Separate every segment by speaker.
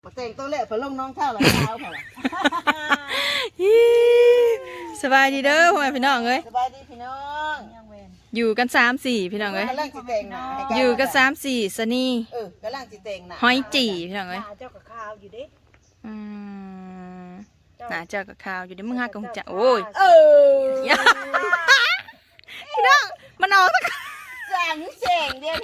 Speaker 1: แต่งตัวแรกพอลงน้องข้าวหลังเท้าพอละ
Speaker 2: สบายดีเด้อพ่อแม่พี่น้องเอ้ย
Speaker 1: สบายดีพี่น้อง
Speaker 2: อยู่กัน3-4พี่น้องเอ้ย
Speaker 1: กำลังสิแต่งหน้าให้
Speaker 2: อยู่กัน3-4สนี
Speaker 1: กำลังสิแต่งหน้า
Speaker 2: หอยจี่พี่น้องเอ้ย
Speaker 3: เจ้ากับข้าวอยู่เด้
Speaker 2: อืมน่าเจอกับข้าวอยู่เด้มึงหากับจะโอ้ย พี่น้องมันออกสัก
Speaker 1: สั่งแสงเดียว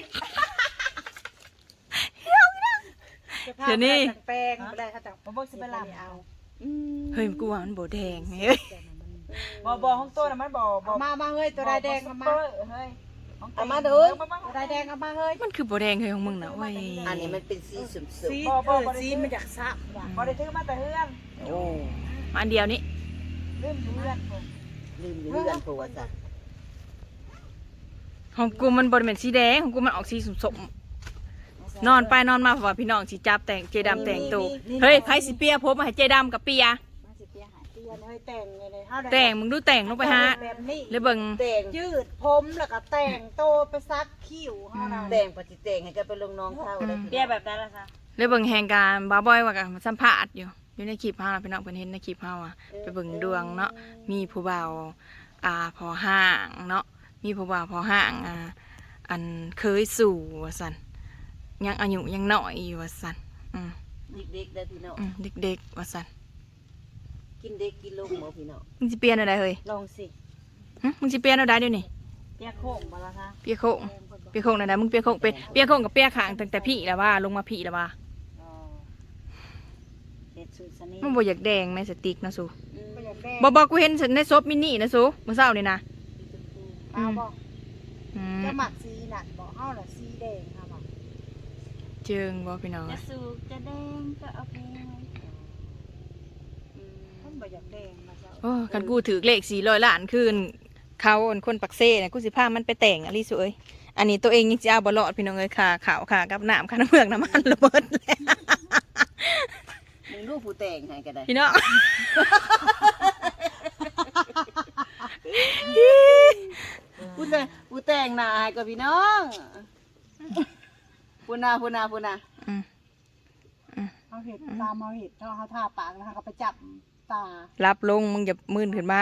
Speaker 2: เดี๋ยวนี้
Speaker 3: แป้งอะไรเขาจะบ่สิไปลำเอา
Speaker 2: เฮ้ยกูว่ามันโบแดงเฮ้ย
Speaker 4: บ่ของตัวน่ะมันบ่
Speaker 3: มาเฮ้ยตัวใดแดงเอามา
Speaker 4: เฮ้ย
Speaker 1: เอามาดู
Speaker 3: ตัวใดแดงเอามาเฮ้ย
Speaker 2: มันคือโบแดงเฮ้ยของมึงนะเว้ย
Speaker 1: อันนี้มันเป็นสีสุ่ม
Speaker 3: ซีซีมันอยากซับว่ะ
Speaker 4: บ่ได้ถือมาแต่เฮือน
Speaker 1: ๆโอ้
Speaker 2: อันเดียวนี้
Speaker 4: ลืมอยู่เฮือนผม
Speaker 1: ลืมอยู่เรือนผัวจ้ะ
Speaker 2: ของกูมันบริเวณสีแดงของกูมันออกสีส้มๆนอนไปนอนมาเพราะว่าพี่น้องสิจับแต่งเจดำแต่งตัวเฮ้ยไผสิเปียผมมาให้เจดำกับเปีย
Speaker 3: มาสิเปียหายเปียเฮ้ยแต่งเลยเฮา
Speaker 2: แต่งมึงดูแต่งลงไปฮะ
Speaker 3: แบบนี้
Speaker 2: เลยเบิ่ง
Speaker 1: แต่ง
Speaker 3: ยืดผมแล้วก็แต่งโตไปซักคิ้วเฮาน่ะ
Speaker 1: แต่งปฏิแต่งให้กันไปลงน้องข้าวได้
Speaker 4: เปียแบบนั้นล่ะซะ
Speaker 2: เลยเบิ่งแหงการบ้าบอยว่ากันสัมภาษณ์อยู่ในคลิปเฮาน่ะพี่น้องเพิ่นเห็นในคลิปเฮาอ่ะไปเบิ่งดวงเนาะมีผู้บ่าวพอห้างเนาะมีผู้บ่าวพอห้างอันเคยสู่ว่าซั่นยังอายุยังน้อยอยู่ว่าซั่นอืม
Speaker 1: เด็กๆได้พี่น้อง
Speaker 2: เด็กๆว่าซั่น
Speaker 1: กินเด็กกินลูกหมอพี่น้อง
Speaker 2: มึงสิเปลี่ยนอะไรเฮ้ย
Speaker 3: ลองสิ
Speaker 2: มึงสิเปลี่ยนอะไรเดี๋ยวนี้
Speaker 3: เปียโค้งบ่ล่ะคะ
Speaker 2: เปียโค้งเปียโค้งไหนๆมึงเปียโค้งเป็นเปียโค้งกับเปียขางตั้งแต่พี่แล้วว่าลงมาพี่แล้วว่า
Speaker 3: อ๋อเฮ็ดสูตรสนิ
Speaker 2: มึงบ่อยากแดงแม่สติ๊กนะสู
Speaker 3: บ่อยากแดง
Speaker 2: บ่กูเห็นในซบมินินะสูเมื่อเช้านี่นะ
Speaker 3: เอาบ่
Speaker 2: อืม
Speaker 3: จะหมักสีนั่นบ่เฮาน่ะสีแดงค่ะบ่
Speaker 2: เจิงบ่พี่น้อง
Speaker 4: จะสูบจะแดงก็เอาไป
Speaker 3: มันบ่อยากแดงมาซะ
Speaker 2: โอ้กันกูถือเลข400 ล้านคืนเขาคนปักเซ่เนี่ยกูสิพามันไปแต่งอะลิสเอ้ยอันนี้ตัวเองยังสิเอาบ่รอดพี่น้องเอ้ยค่ะข่าวค่ะกับน้ำค่ะน้ำเมือกน้ำมันระเบิดแล้ว
Speaker 1: มึงลูกผู้แต่งให้ก็ได้
Speaker 2: พี่น้อง
Speaker 1: ผู้แต่งหน้าให้ก็พี่น้องพูนา
Speaker 2: อืม
Speaker 3: เอาเห็ดตามเอาเห็ดเขาทาปากนะคะเขาไปจับตา
Speaker 2: รับลงมึงอย่ามื่นขึ้นมา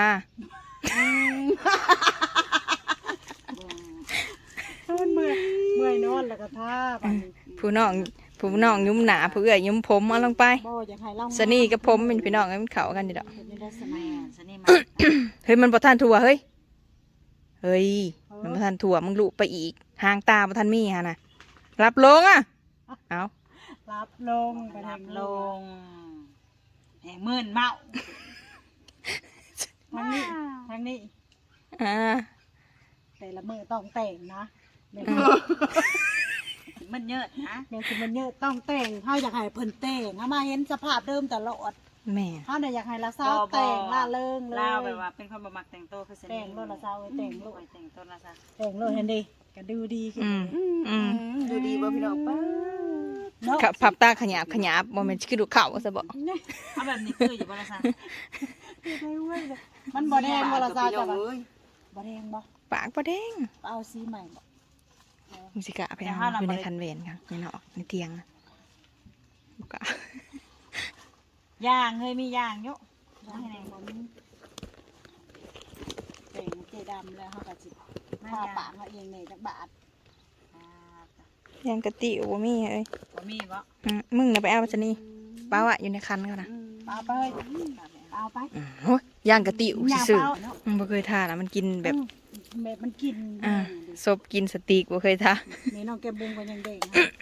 Speaker 3: มันเมื่อยนอนแล้วก็ทาไป
Speaker 2: ผู้น้องยุ้มหนาผู้เอื้อยยุ้มผมเอาลงไป
Speaker 3: บ่อยากให้เล่า
Speaker 2: สนี่กับผมเป็นพี่น้องกันมันเข้ากันอยู่ดอก
Speaker 3: เห็นได้สมั
Speaker 4: แม่
Speaker 3: ย
Speaker 4: ซะนี่มา
Speaker 2: เฮ้ยมันบ่ทันถั่วเฮ้ยมันบ่ทันถั่วมึงลุไปอีกหางตาบ่ทันมีฮะนะรับลงอ่ะเอา
Speaker 3: รับลงไป
Speaker 4: รับ
Speaker 3: ทำ
Speaker 4: ล
Speaker 3: ลง
Speaker 4: งแห่งมื่นเมา
Speaker 3: ทางนี้ทางนี้
Speaker 2: อ่า
Speaker 3: แต่ละมือต้องแต่งนะแม่
Speaker 4: มันเยอะนะ
Speaker 3: แม่คือมันเยอะต้องแต่งเขาอยากให้เพิ่นแต่งเขามาเห็นสภาพเดิมตลอด
Speaker 2: แม่
Speaker 3: เขาเนี่ยอยากให้ละสาวแต่งล่าเริงเลย
Speaker 4: ลาวแบบว่าเป็นคนบ่มักแต่งตัวคือสนิ
Speaker 3: แต่งโลดละสาวเอ้ยแต่งโลด
Speaker 4: แต่งตัวละซะ
Speaker 3: แต่งโลดเห็นดิก็ดูดีขึ้น
Speaker 2: อืม
Speaker 1: ดูดีบ่พี่น้องป้า
Speaker 3: เนาะ
Speaker 2: พับตาขยับบ่แม่นสิคือดูเข่าซะบ่
Speaker 4: เอาแบบนี้คืออยู่บ่ละซะ
Speaker 3: มันบ่แดงบ่ละสาวจ้ะบ่
Speaker 1: เอ้ย
Speaker 3: บ่แดงบ่
Speaker 2: ปากบ่แดง
Speaker 3: เอาสีใหม่บ่
Speaker 2: มึงสิกะไปเอาอยู่ในคันเวนค่ะในนอกในเตียงนะบ่กะ
Speaker 4: ย่างเฮ้ยมีย่างอยู่
Speaker 3: ให้ไหนบ่มีแต่งเจดำแล้วเขาก็สิทาปากเขาเองนี่จักบาท
Speaker 2: ยังกะติบ่มีเอ้ย
Speaker 4: บ่มีบ่
Speaker 2: มึงน่ะไปเอาซะนี่ป้าว่าอยู่ในคันเขานะ
Speaker 3: เอาไปเอาไป
Speaker 2: โอ้ยย่างกะติอุซื่อ
Speaker 3: เอาเนาะ
Speaker 2: ๆบ่เคยทานอ่ะมันกินแบบ
Speaker 3: แบบมันกิน
Speaker 2: ศพกินสติกบ่เคยทาน
Speaker 3: นี่น้องแกมบุงก็ยังเด็ก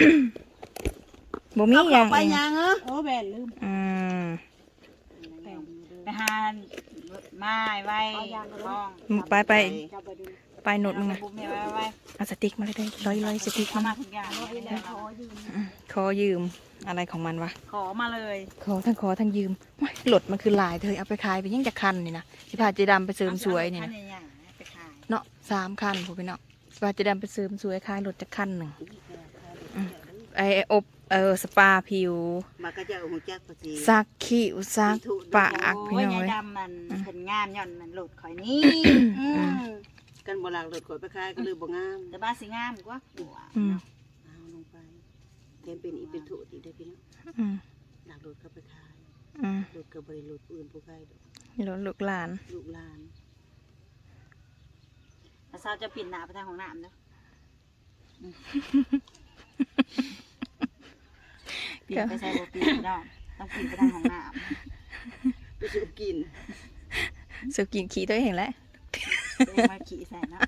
Speaker 2: บ่มีหยัง
Speaker 1: ไปยังเหรอ
Speaker 3: โอ้แบนลืม
Speaker 2: อืม
Speaker 3: แต่งอยู่เด้อ
Speaker 4: ไปหาไม้ไว้ห้อง
Speaker 2: ไป
Speaker 3: จับไปดู
Speaker 2: ไปโนดมึงนะ
Speaker 4: บุ้มไว้
Speaker 2: เอาสติ๊กมาเลยร้อยสติ๊ก
Speaker 4: เอา
Speaker 2: มา
Speaker 4: มาทุกอย่างเลย
Speaker 3: แล้วขอยืม
Speaker 2: ขอยืมอะไรของมันวะ
Speaker 4: ขอมาเลย
Speaker 2: ขอทั้งยืมโอ้ยหลดมันคือลายเธอเอาไปขายไปยังจะคันนี่นะสิพาเจดำไปเสริมสวยนี่นะ
Speaker 4: ไปขาย
Speaker 2: เนาะ3 คันพวกพี่เนาะสิพาเจดำไปเสริมสวยขายรถจะคันหนึ่งไออบสปาผิว
Speaker 1: มาก็จะหูจักภาษี
Speaker 2: ซักขี้อุซักปากพี่
Speaker 4: โอ้ย
Speaker 2: น้อง
Speaker 4: ยาย
Speaker 2: เอ้ย
Speaker 4: ดำมันเห็นงามย่อนมันหลุดข่อยนี่
Speaker 1: กันบ่หลักรถขอยไปขายก็เลยบ่งาม
Speaker 4: แต่บ้าสิงามกว่า
Speaker 2: อืม
Speaker 1: เอาลงไปแกเป็นอีเป็นถุอีกได้อพี่น้อง
Speaker 2: อืม
Speaker 1: หลักรถเขาไปขาย
Speaker 2: อืม
Speaker 1: รถกับบริรถอื่นผู้ใครดอก
Speaker 2: นี่รถลูกหลาน
Speaker 1: ลูกหลาน
Speaker 4: แล้วสาวจะปิดหน้าไปทางของน้ำเนาะปิดไปใส่บ่ปิดเนาะต้องปิดไปทางของน้ำ
Speaker 1: ไปซื้อกิน
Speaker 2: สุกินขี้ตัวเองแหละ
Speaker 4: เดินมาขี่ใส่เนาะ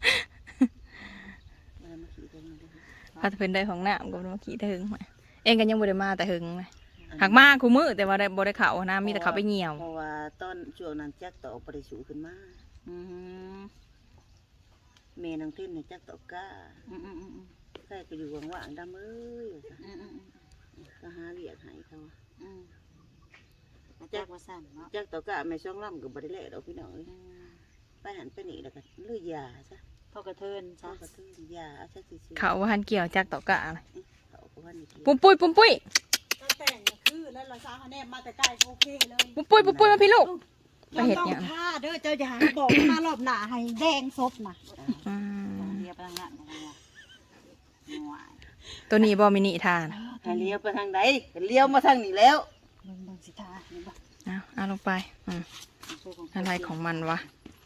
Speaker 1: มามาขี่กันมาเลย
Speaker 2: พาเพิ่นได้ของน้ำก็มาขี้แต่หึงมาเองก็ยังบ่ได้มาแต่หึงเลยหักมาคูมือแต่ว่าได้บ่ได้เข้านะมีแต่เขาไปเหี่ยว
Speaker 1: เพราะว่าตอนช่วงนั้นจักต่อบ่ได้สูขึ้นมา
Speaker 4: อืม
Speaker 1: แม่นางเต้นเนี่ยจักต่อก้า
Speaker 4: อืมอืมอืม
Speaker 1: ใครก็อยู่ว่างๆดำเอ้ยว่าซะ
Speaker 4: อืม
Speaker 1: ก็หาเรียกให้เขา
Speaker 4: อืมมาจากว่าสั่นเนาะ
Speaker 1: จักต่อก้าแม่ช่องล่ำก็บ่ได้แลดอกพี่น้องเอ้ย
Speaker 4: อืม
Speaker 1: ไปหันไปนี่แล้วก็ลือยาซะ
Speaker 4: พ่อกระเทิน
Speaker 1: เขา
Speaker 4: ซะ
Speaker 1: ก็ทื่นยาเอาซะซื่อๆ
Speaker 2: เขาว่าหันเกี่ยวจากตอกกะอะไร
Speaker 1: เขาก็ว่านี่กิน
Speaker 2: ปุ้มปุ้ยปุ้มปุ้ย
Speaker 3: ก็แต่งคือแล้วเราสาวแนมมาแต่ใกล้โอเคเลย
Speaker 2: ปุ้มปุ้ยปุ้มปุ้ยมาพี่ลูก ไปเฮ็ด
Speaker 3: ต้อง
Speaker 2: หยัง
Speaker 3: ท่าเด้อเจ้าอย่าบอกมารอบหน้าให้แดงซบนะ
Speaker 2: อืม
Speaker 4: เรียบไปทางนั้นของเราหน่วย
Speaker 2: ตัวนี้บ่มินิทาน
Speaker 1: ให้เลี้ยวไปทางใดก็เลี้ยวมาทางนี้แล้ว
Speaker 3: มึงสิท่าเห็นบ่
Speaker 2: เอาลงไปอะไรของมันวะ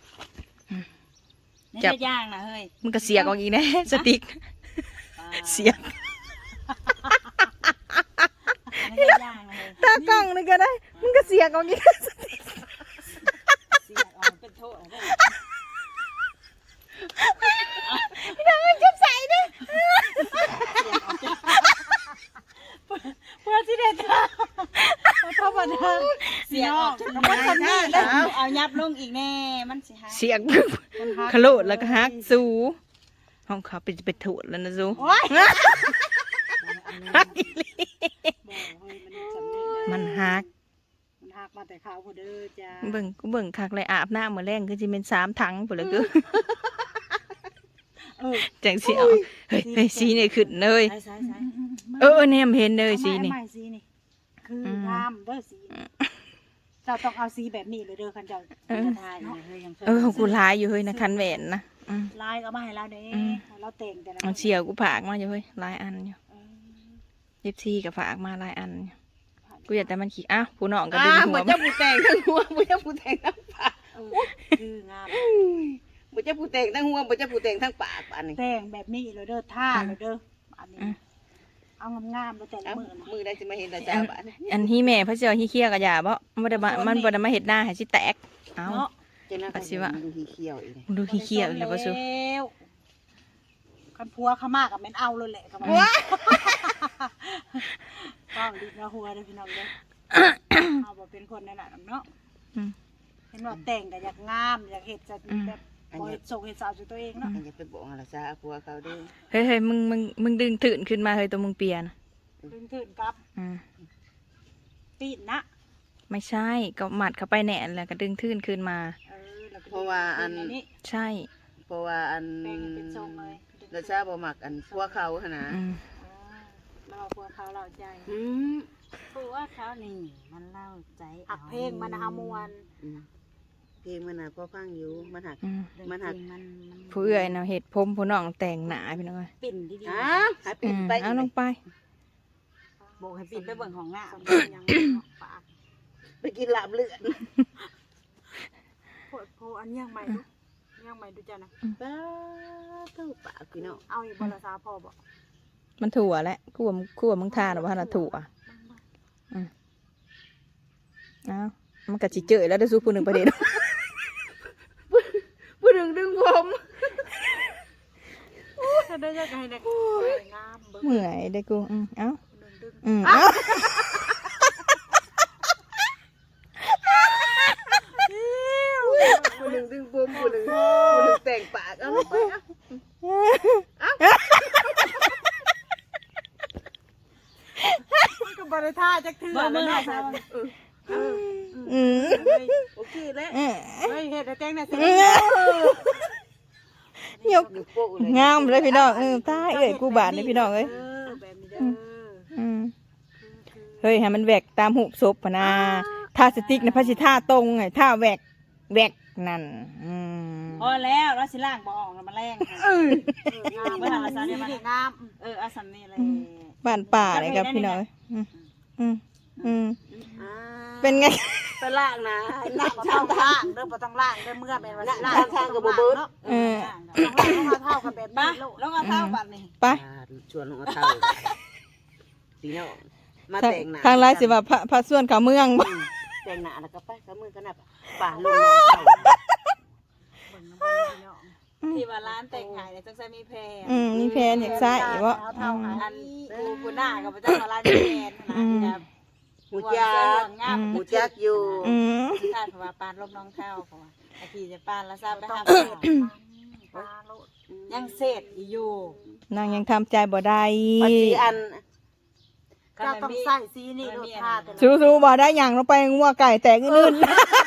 Speaker 4: นี่
Speaker 2: จับ
Speaker 4: จะย่างนะเฮ้ย
Speaker 2: มันก็เสียกออกอีกแน่ สติ๊กเสียก
Speaker 4: นี่จะย่างนะเฮ้ย
Speaker 2: ตากล้องนึงก็ได้มันก็เสียกออกอีก
Speaker 4: เสียออกเป็นโทษได้
Speaker 2: จับใส่ดิ
Speaker 3: เพื่อที่ได้ท่าเข้ามาทาง
Speaker 4: เสียออกจน
Speaker 3: มั
Speaker 4: มัน น
Speaker 3: ทำนี่
Speaker 4: แล้เอายับลงอีกแน่มันสิฮะ
Speaker 2: เสียกขลุแล้วก็ฮักสูห้องเขาไปถูดแล้วนะซู
Speaker 3: โอ้ย
Speaker 2: ฮักอีหลี
Speaker 3: มัน
Speaker 2: ฮัก
Speaker 3: มันหักมาแต่ขาวพอเด้อจ้า
Speaker 2: เบิ่งคักเลยอาบน้ำมื้อแรงคือสิเป็น3ถังพุ่นละคือ จังสิเอาเฮ้ยสีนี่ขึ้นเลย
Speaker 4: ใช่
Speaker 2: เนี่ยเห็นเลยสีนี่
Speaker 3: ไม่สีนี่คืองามเด้อสีเจ้าต้องเอาสีแบบนี้เลยเด้อคันเจ้าจะทายเนาะ
Speaker 2: ของกูร้ายอยู่เฮ้ยนะคันแหวนนะ
Speaker 3: ลายก็มาให้เราเด้เราแต่งแต่ละ
Speaker 2: เอาเชียวกูฝากมาอยู่เฮ้ยหลายอันอยู่ยิบซีกับฝากมาหลายอันอยู่กูอยากแต่มันขี้อ้าวผู้น้องก็ดึงหัว
Speaker 1: บ่จะผู้แต่งทั้งหัวบ่จะผู้แต่งทั้งปาก
Speaker 3: คืองาม
Speaker 1: บ่จะผู้แต่งทั้งหัวบ่จะผู้แต่งทั้งปากอันนี้
Speaker 3: แต่งแบบนี้เลยเด้อท่าเลยเด้ออันนี้เอางามๆเลยแต่ละ
Speaker 1: เอ้า
Speaker 3: มือนะ
Speaker 1: มือได้สิมาเห็นตาจ้าบ้าน
Speaker 2: อันที่แม่พระเจ้าฮีเคี้ยกับยาบ่มันบ่ได้มาเฮ็ดหน้าให้สิแตกเอ้า
Speaker 3: เนาะ
Speaker 1: จะน่า
Speaker 2: ปัสสิวะ
Speaker 1: ดูขี้เขียวอีกเลย
Speaker 2: มึงดูฮีเคี้ยอีกแล้วบ่ซู
Speaker 3: คันพัวเขามากกับแม่นเอาเลยแหละกับมันต้องดีนะหัวเด้อพี่น้องเด้อเอาบ่เป็นคนนั่นน่ะเนาะเห็นว่าแต่งก็อยากงามอยากเฮ็ดจะแบบบ่เฮ็ดส่งเฮ็ดสาวสู่ตัวเองเนาะ
Speaker 1: อันอย่าไปบอกอะไรซะผัวเขาเด้อ
Speaker 2: เฮ้ยมึงดึงตื่นขึ้นมาเฮ้ยตัวมึงเปลี่ยน
Speaker 3: ถึงกับปีนนะ
Speaker 2: ไม่ใช่ก็หมัดเข้าไปแหน่แล้วก็ดึงตื่นขึ้นมา
Speaker 3: แล้วก็
Speaker 1: เพราะว่าอัน
Speaker 3: นี้
Speaker 2: ใช่
Speaker 1: เพราะว่าอัน
Speaker 3: แบ่งเป็นทรงเลย
Speaker 1: ราชาบ่มักอันผัวเขาหั่นนะ
Speaker 3: เราพัวเขาเราใจ
Speaker 4: ผัวเขานี่มันเล่าใจ
Speaker 3: หักเพลงมันหามวน
Speaker 1: เพลงมันน่ะพอฟังอยู่มันหัก
Speaker 4: มันหัก
Speaker 2: ผู้เอื้อยเนาะเฮ็ดผมผู้น้องแต่งหน้าพี่น้องเอ้ย
Speaker 4: ปิ่นดี
Speaker 1: อ้าหาปิดไป
Speaker 2: เอาลงไป
Speaker 4: ๆบอกให้ปิ่นไปเบิ่งของหน้า
Speaker 3: ยังปาก
Speaker 1: ไปกินลาบเลือด
Speaker 3: โพอันยังใหม่ดูยังใหม่ดูจ้ะนะ
Speaker 1: ป้าเท่าปากพี่น้อง
Speaker 3: เอาอีกบรสาพอบอก
Speaker 2: มันถั่วแหละกูว่ามึงทานหรือว่าน่ะถั่วเอามันก็สิเจอแล้วได้สู้ผู้หนึงประเด็น
Speaker 1: ผู้หนึ่งดึงผม
Speaker 3: ถ้าได้ยังไงเนี่ยงามเบิ่ง
Speaker 2: เมื่อยได้กูเอ้า
Speaker 3: ดึง
Speaker 2: เอ้า
Speaker 1: ผู้หนึ่งดึงผมผู้หนึ่งแต่งปากเอาไป
Speaker 3: ก็บริท่าจักเถื่อแล้วนะ
Speaker 1: โอเคแล้ว
Speaker 3: เฮ้ยเฮ็ดแต่แต่งน่ะสิ
Speaker 2: ยกงามเลยพี่น้องตายเอ้ยกูบาดเลยพี่น้องเอ้ย
Speaker 3: แบบนี้เด้อ
Speaker 2: เฮ้ยให้มันแหวกตามหูศพพะนะท่าสติ๊กนะพระสิท่าตรงไงท่าแหวกนั่น
Speaker 4: พอแล้วเราสิล่างบ่ออกแล้วมาแรงค่ะ
Speaker 3: งามเมื่อไหร่งาม
Speaker 4: อาสันนี่เลย
Speaker 2: บ้านป่าเลยครับพี่น้อง
Speaker 1: อ่า
Speaker 2: เป็นไง
Speaker 1: ไปล่างนะ
Speaker 3: ล่า
Speaker 1: ล่าง ง
Speaker 3: บ่
Speaker 1: ทา
Speaker 3: ต้อง งล่างเด้อบ่ต้องล่างเด้อเมื่อแม่นว่าสิล่าง
Speaker 1: ทางกับบ่เบิด
Speaker 3: เนาะ
Speaker 2: เออ
Speaker 3: ต้องล่างต้องเท่ากันแบบ
Speaker 4: มา
Speaker 3: นี้โลด
Speaker 4: ลงเอาเท้าบัดนี่
Speaker 2: ไป
Speaker 1: ชวนลงเอาเท่าพี่น้องมา
Speaker 2: ทาง
Speaker 1: แต่งหน้า
Speaker 2: ทางร้ายสิว่าพระส่วนเขาเมืองบ่
Speaker 1: แต่งหน้าแล้วก็ไปกับมือกันน่ะป่าลงน้องเท่า
Speaker 3: เบิ่งน้ำมันพี่น้อง
Speaker 4: ที่ว่าร้านแต่งหายเนี่ยจังใส่มีแพร
Speaker 2: มีแพนอยากใส่บ่
Speaker 3: เอาเท่าหา
Speaker 4: อันกูหน้ากับพระเจ้ามาร้านมีแพรนะ
Speaker 1: หูจักหูจักอยู่
Speaker 2: อืม
Speaker 4: ท่านเพราะว่าปานลบน้องเท้าเพราะว่าไอ้พี่จะปานแล้วทราบไป
Speaker 3: ต้อง
Speaker 4: หา
Speaker 3: เศษปลาโลด
Speaker 4: ยังเศษอยู่
Speaker 2: นางยังทำใจบ่ได้
Speaker 1: ปัจจุบัน
Speaker 3: เจ้าต้องใส่สีนี่โลดผ้าแต่ละ
Speaker 2: สู้ๆบ่ได้หยังลงไปงัวไก่แตกอื่น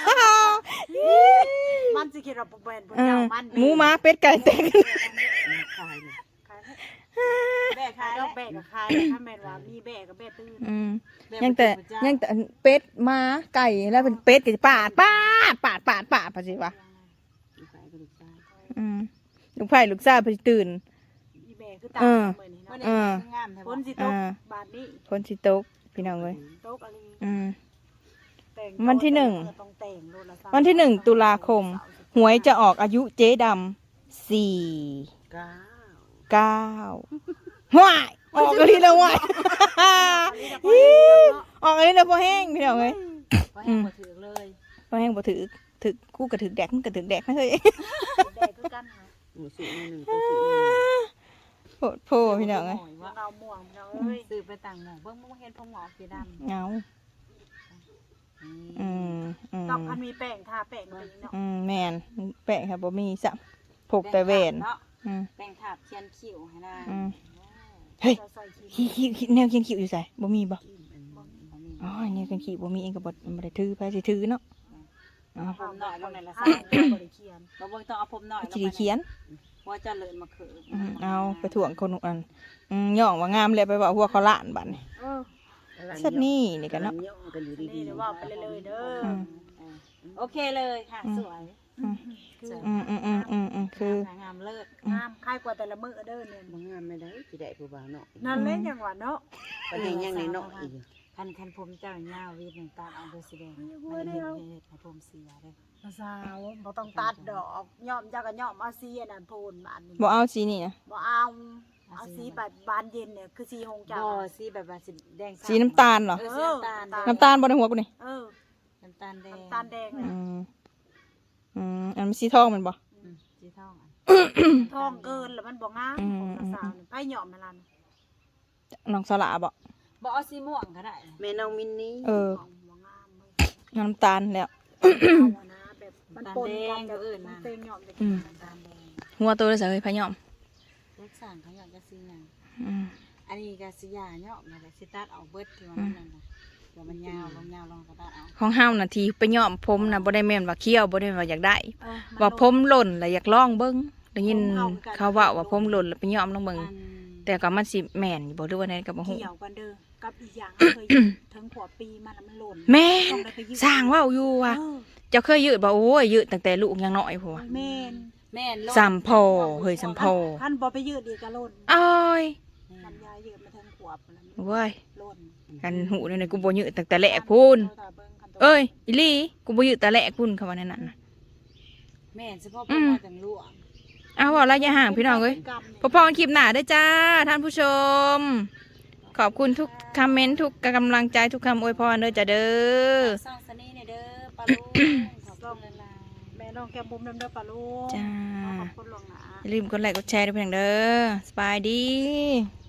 Speaker 3: มันสิคิดว่าบ่เป็นบ่เจ้ามัน
Speaker 2: หมูม้าเป็ดไก่แตกอื่น
Speaker 1: ขายเนี่ย
Speaker 4: แม่ขาย
Speaker 3: ด
Speaker 4: แล้
Speaker 3: อ
Speaker 4: ว
Speaker 3: กแบกกับคายถ้าแม่นว่ามีแบกกับแบกตื้น
Speaker 2: ยังแต่เป็ดม้าไก่แล้วเป็นเป็ดก็สิปาดพะสิวะ
Speaker 1: ขายกระดูกชาย
Speaker 2: ลูกไผ่ลูกซ่าพะสิตื่น
Speaker 3: อีแบกคือตามมื้อนี้
Speaker 4: วัน
Speaker 3: เนาะ
Speaker 4: นี้งามแท้
Speaker 3: ฝ
Speaker 4: บ่
Speaker 3: นสิตกบาดนี้
Speaker 2: คนสิตกพี่น้องเอ้ย
Speaker 3: ตกอะไร แต่ง
Speaker 2: วันที่หนึ่ง
Speaker 3: ต้องแต่งโลดละ
Speaker 2: วันที่1 ตุลาคม หวยจะออกอายุเจ๊ดำ4
Speaker 1: ก้า
Speaker 2: 9ว้ายออกกันทีแล้วว้ายออกกันทีแล้วพอแห้งพี่น้องเอ้ย
Speaker 4: บ่ให้บ่ถือเลย
Speaker 2: พอแห้งบ่ถือกูก็ถือแดกมึงก็ถือแดกนะเฮ้ย
Speaker 3: แบกคือกันนะ
Speaker 1: หมูสุกหนึ่งตัวสุกหนึ่ง
Speaker 2: โพดโพพี่น้องเอ้ย
Speaker 3: ว่าเราม่วงเราเอ้ย
Speaker 4: ซื้อไปต่างหม้องเบิ่งบ่เห็นพงหมอกสีดำ
Speaker 2: เงาอืม
Speaker 3: ต้องคันมีแป้งทาแป้งตีเนาะ
Speaker 2: แม่นแปะครับบ่มีสักพกแต่แหวน
Speaker 4: เนาะ
Speaker 2: อืม
Speaker 4: แป้งทาบเขียนคิ้วให้นาง
Speaker 2: เฮ้ย
Speaker 3: เราใส่ขี้
Speaker 2: ขี้แนวเขียนคิ้วอยู่ไสบ่มีบ่อ๋อแนวเขียนคิ้วบ่มีเองก็บ่ได้ถือไปสิถือเนาะอ๋อ
Speaker 4: ผมหน่อยลงในละ
Speaker 3: อ่า
Speaker 4: ซ่า
Speaker 3: บริเคียน
Speaker 4: เราบ่ต้องเอาผมหน่อยลง
Speaker 2: สิ
Speaker 4: ไป
Speaker 2: ได้เขียน
Speaker 4: ว่าจะเลินมาคือ
Speaker 2: เอาไปถ่วงคนอันย่องว่างามแล้วไปว่าหัวเขาล้านบัดนี่
Speaker 3: เออ
Speaker 2: สัตว์นี่นี่กันเนาะ
Speaker 1: กันอยู่
Speaker 3: นี่
Speaker 1: ดี
Speaker 3: เดี๋ยวว่าไปเลยๆเด้อ
Speaker 4: โอเคเลยค่ะสวย
Speaker 2: คือ
Speaker 4: งามเลิศ
Speaker 3: งามคล้ายกว่าแต่ละมื้อเด้อเนี่ย
Speaker 1: ๆบางงานไม่ได้ที่ได้ผู้บ่าวเนาะ
Speaker 3: นั่นเล่นอย่างว่าเนาะ
Speaker 1: ประเด็นยังในเนาะอีก
Speaker 4: คันผมเจ้าหน้าวีดหนึ่งตาเอาไปสีแดงไม่เห็นให้ผมเสียเลย
Speaker 3: สาวบ่ต้องตัดดอกย่อมเจ้าก็ย่อมเอาสีอันนั้นโพนบานนี่
Speaker 2: บ่เอาสีนี่นะ
Speaker 3: บ่เอาสีแบบบานเย็นเนี่ยคือสีหงจั
Speaker 4: บ่สีแบบว่าสีแดง
Speaker 2: สีน้ำตาลเหรอ
Speaker 4: สีน้ำตาล
Speaker 2: น้ำตาลบ่ในหัวกูนี่
Speaker 3: เออ
Speaker 4: น้ำตาลแดง
Speaker 3: น้ำตาลแดงเนี่ย
Speaker 2: อันมันสีทองแมันบ่
Speaker 4: สีทอง
Speaker 3: ทองเกินแล้วมันบ่งามของสาวนี่ไผย่อมให้ล่ะ
Speaker 2: น้องสละบ่
Speaker 4: บ่เอาสีม่วงก็ได้
Speaker 1: แม่น้องมินนี่
Speaker 3: บ่งามเลย
Speaker 2: น้ำตาลแล้ว
Speaker 3: เอานะแบบมันปนกันกับมันเต็มย่อมจะกินน้ำตาลแดง
Speaker 2: หัวตัวเลยสิเฮ้ยพะยอม
Speaker 4: เล็กสั่งเขาอยากจะสีหยังอันนี้ก็สียาเนาะมาสิตัดเอาเบิดที่ว่ามันนั่นน่ะเดี๋ยวมันยาวลงก็ตัดเอา
Speaker 2: ของเฮาน่ะทีไปยอมผมน่ะบ่ได้แม่นว่าเคี้ยวบ่ได้ว่าอยากได้ ว่าผมหล่นแล้วอยากลองเบิ่งได้ยินเขาเว้าว่าผมหล่นแล้วไปยอมลองเบิ่งแต่ก็มันสิแม่นอยู่บ่หรือว่าไดก็บ่ฮู้
Speaker 3: เกี่ยวกันเด้อกับอีกอย่างเคยถึงขวบปีมันมันหล่น
Speaker 2: แม่นสร้างเว้าอยู่ว่า
Speaker 3: เออ
Speaker 2: เจ้าเคยยืดบ่โอ้ยยืดตั้งแต่ลูกยังน้อยพุ่นว่ะ
Speaker 3: แม่น
Speaker 4: แม่น
Speaker 2: สัมพอเฮ้ยสัมพอ
Speaker 3: ท่านบ่ไปยืดอีกก็หล่น
Speaker 2: อ้อย
Speaker 3: ลำไยยืดมาถึงขวบแล้ว
Speaker 2: เว้ย
Speaker 3: หล่น
Speaker 2: กันหูนี่กูบ่ยืดตั้งแต่แรกพุ่นเอ้ยอีหลีกูบ่ยืดแต่แรกพุ่นเขาว่านั่นน่ะ
Speaker 4: แม่นเฉพาะผมมาจังลวง
Speaker 2: เอาว่าระยะห่างพี่น้องเอ้ยพอๆกันคลิปหน้าเด้อจ้าท่านผู้ชม ขอบคุณทุกคอมเมนต์ทุกกำลังใจทุกคำอวยพรเด้อจ้าเด้อ
Speaker 4: ซ่องสนี่เนี่ยเด้อปลาลูกขอบคุณหลาย
Speaker 3: แม่น้องแก้มบุ้มน้ำเด้อปลาลูก
Speaker 2: จ้า
Speaker 3: ขอบคุณหลวงหนา
Speaker 2: อย่าลืมกดไลค์กดแชร์ด้วยเพียงเด้อสบายดี